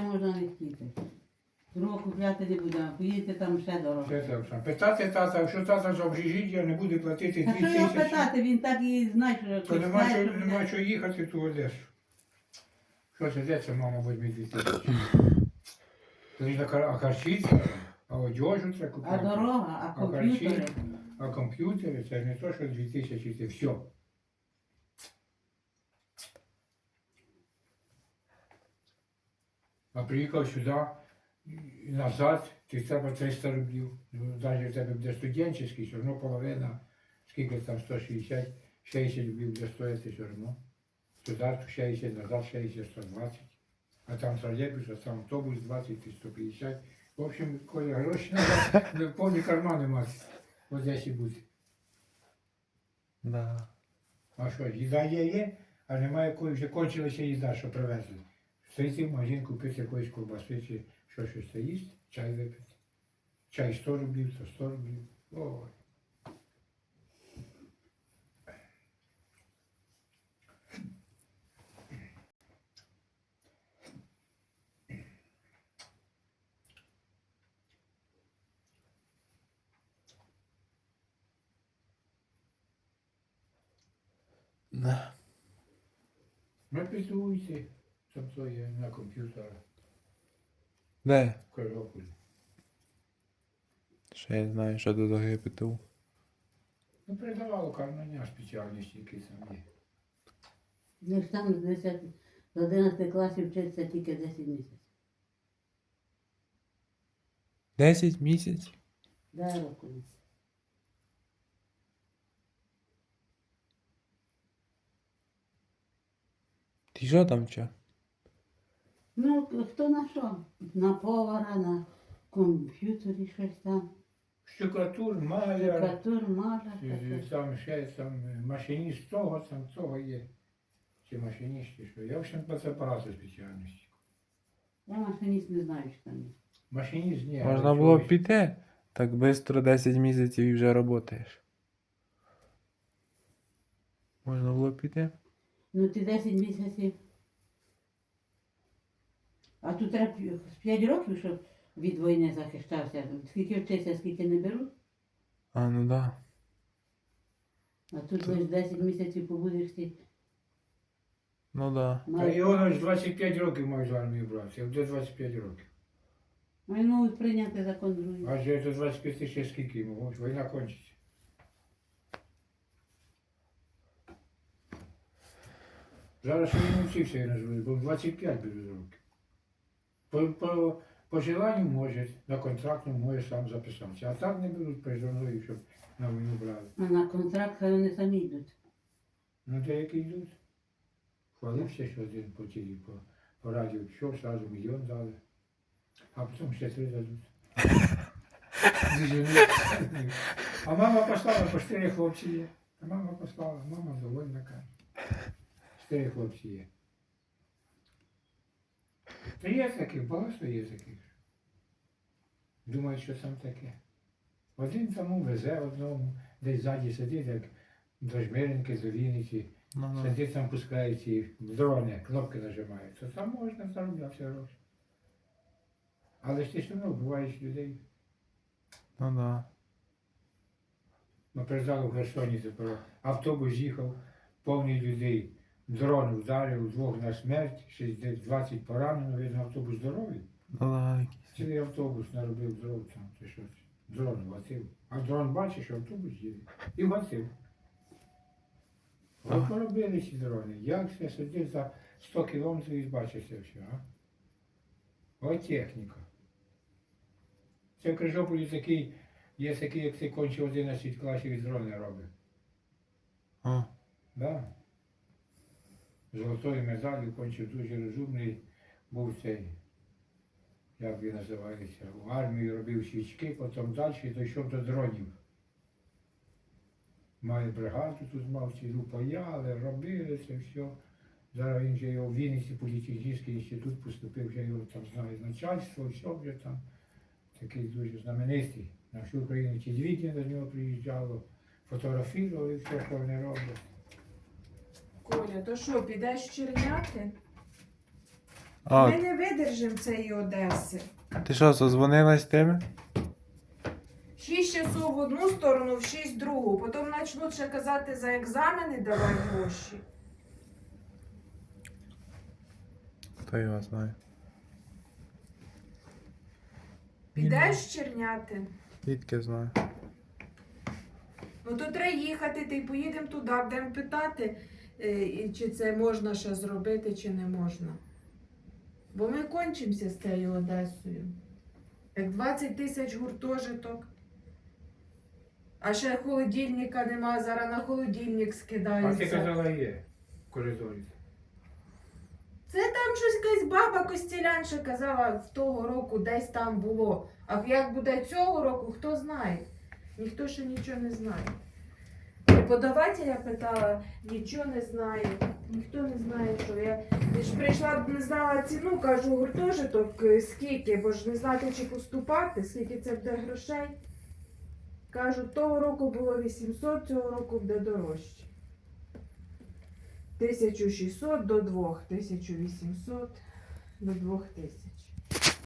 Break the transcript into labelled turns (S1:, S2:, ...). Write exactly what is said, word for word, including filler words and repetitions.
S1: ще можна не хотіти. Другого купляти не будемо, поїдете там ще дорого.
S2: Це так само. Питати тата, якщо тата за общежиття не буде платити
S1: А
S2: дві
S1: що його
S2: тисячі,
S1: питати, він так і знає, що
S2: то нема
S1: знає,
S2: що,
S1: що
S2: нема
S1: буде.
S2: що їхати в ту Одесу. Що це, де це, мама, візьме дві тисячі? Тоді на кар- а харчиця, а одежу треба
S1: А
S2: купити.
S1: дорога, а
S2: А харчі,
S1: комп'ютери.
S2: а комп'ютери, це не то, що дві тисячі, це все. А приїхав сюди і назад, ти треба триста рублів. Ну, навіть в тебе буде студентський, все одно половина, скільки там сто шістдесят, шістдесят рублів буде стоїти все одно. Туди шістдесят, назад шістдесят, сто двадцять. А там тролейбус, а там автобус двадцять і сто п'ятдесят. В общем, коли гроші треба, повні кармани мати в Одесі бути.
S3: Да.
S2: А що, їда є, є, а немає якої, вже кончилася їда, що привезли. Стоїти в магазин, купити якоїсь ковбаси, чи що щось та їсти, чай випити. Чай сто рублів, то сто рублів. Ой.
S3: Да.
S2: Напитуйте, там то є на комп'ютері,
S3: Де?
S2: в Кривополі.
S3: Ще я знаю, що до того ПТУ.
S2: Ну, передавало кармання спеціальності, які там є.
S1: Ну ж там з десяти з одинадцяти класів вчиться тільки десять місяців.
S3: Десять місяців?
S1: Дай року.
S3: Ти що там вчив?
S1: Ну, хто на що? На повара, на комп'ютері щось там.
S2: Штукатур, маляр,
S1: Штукатур, маляр.
S2: е,
S1: таке.
S2: там ще там е, машиніст того, там того є. Чи машиністи, що. Я, в общем, про це багато спеціальностей.
S1: Я машиніст не знаю, що там є.
S2: Машиніст ні.
S3: Можна
S2: але
S3: було б
S2: чогось-
S3: піти. Так швидко десять місяців і вже працюєш. Можна було б піти.
S1: Ну ти десять місяців. А тут треба п'я- з п'ять років, щоб від війни захищався. Скільки вчишся, скільки не беруть.
S3: А, ну да.
S1: А тут лише десять місяців побудеш ти.
S3: Ну да.
S2: Та його ж двадцять п'ять років мають в армію брати, як до двадцять п'ять років.
S1: Вони можуть прийняти закон другий.
S2: А вже до двадцять п'ять ще скільки йому, ось війна кончиться. Зараз ще не навчився я назвати, бо двадцять п'ять буде років. По, по, по желанню може, на контрактну може сам записатися. А так не беруть призовною, щоб на війну брали.
S1: А на контракт хай вони самі йдуть.
S2: Ну деякі йдуть. Хвалився, що один по тілі, по, по радіо пішов, сразу мільйон дали. А потім ще три дадуть. Заженуть. А мама послала, по чотири хлопці є. А мама послала, мама довольна каже. Чотири хлопці є. Та є таких, багато є таких. Думають, що там таке. Один тому везе одному, десь ззаді сидить, як до Жмеринки, до Вінниці.
S3: Ну, ну.
S2: Сидить там, пускає ці дрони, кнопки нажимає. То там можна заробляти гроші. Але ж ти все одно вбиваєш людей.
S3: Ну да.
S2: Ми приїжджали в Херсоні тепер. Автобус їхав, повний людей. Дрон вдарив, двох на смерть, ще десь двадцять поранено, видно, автобус здоровий.
S3: Ну да.
S2: Цілий автобус наробив дрон там, чи щось. Дрон вгатив. А дрон бачить, що автобус їде. І вгатив. Ви
S3: Ага.
S2: поробили ці дрони. Як це сидить за сто кілометрів і бачить це все, а? Ось техніка. Це в Крижополі такий, є такий, як ти кончив одинадцять класів і дрони робить.
S3: А.
S2: Да. Золотою медаллю кончив дуже розумний, був цей, як він називається, в армії робив свічки, потім далі дійшов до дронів. Має бригаду тут мав, цілу паяли, робили це все. Зараз він вже його в Вінниці політехнічний інститут поступив, вже його там знає начальство, все вже там. Такий дуже знаменитий. На всю Україну телевідення до нього приїжджало, фотографували все, що вони роблять.
S4: Коля, то що, підеш в Черняти?
S3: А,
S4: Ми не видержимо цієї Одеси.
S3: ти що, созвонилась з тими?
S4: Шість часов в одну сторону, в шість в другу. Потім почнуть ще казати за екзамени, давай гроші.
S3: Хто його знає.
S4: Підеш черняти?
S3: Звідки знаю.
S4: Ну то треба їхати, ти поїдемо туди, будемо питати, е, і чи це можна ще зробити, чи не можна. Бо ми кончимося з цією Одесою. Як двадцять тисяч гуртожиток. А ще холодильника нема, зараз на холодильник
S2: А ти
S4: скидаються.
S2: казала є в коридорі.
S4: Це там щось якась баба Костілянша казала в того року, десь там було. А як буде цього року, хто знає. Ніхто ще нічого не знає. Преподавателя питала, нічого не знає. Ніхто не знає, що я. Я ж прийшла, не знала ціну, кажу, гуртожиток е, скільки, бо ж не знати, чи поступати, скільки це буде грошей. Кажу, того року було вісімсот, цього року буде дорожче. тисяча шістсот до двох, тисяча вісімсот до двох тисяч.